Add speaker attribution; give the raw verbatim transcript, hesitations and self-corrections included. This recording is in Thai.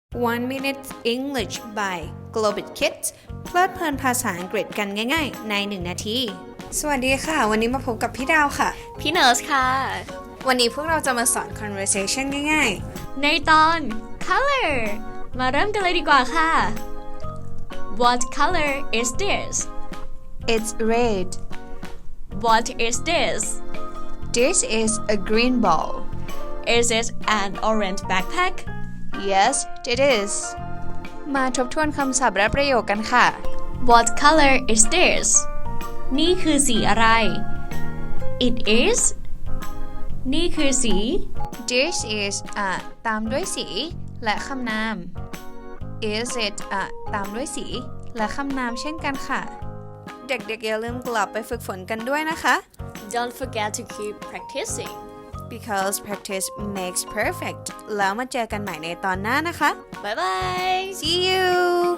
Speaker 1: one minute English by Globit Kids เพลิดเพลินภาษาอังกฤษกันง่ายๆในหนึ่งนาที สวัสดีค่ะ วันนี้มาพบกับพี่ดาวค่ะ
Speaker 2: พี่เนิร์สค่ะ
Speaker 1: วันนี้พวกเราจะมาสอน conversation ง่าย
Speaker 2: ในตอน color มาเริ่มกันเลยดีกว่าค่ะ What color is this?
Speaker 1: ๆ It's red.
Speaker 2: What is this?
Speaker 1: This is a green ball.
Speaker 2: Is it an orange backpack?
Speaker 1: Yes, it is. มาทบทวนคำศัพท์และประโยคกันค่ะ
Speaker 2: What color is this? นี่คือสีอะไร It is นี่คือสี
Speaker 1: This is อ่ะตามด้วยสีและคำนาม Is it อ่ะตามด้วยสีและคำนามเช่นกันค่ะ เด็กๆอย่าลืมกลับไปฝึกฝนกันด้วยนะคะ
Speaker 2: Don't forget to keep practicing.
Speaker 1: because practice makes perfect แล้วมาเจอกันใหม่ในตอนหน้านะคะ
Speaker 2: Bye bye.
Speaker 1: See you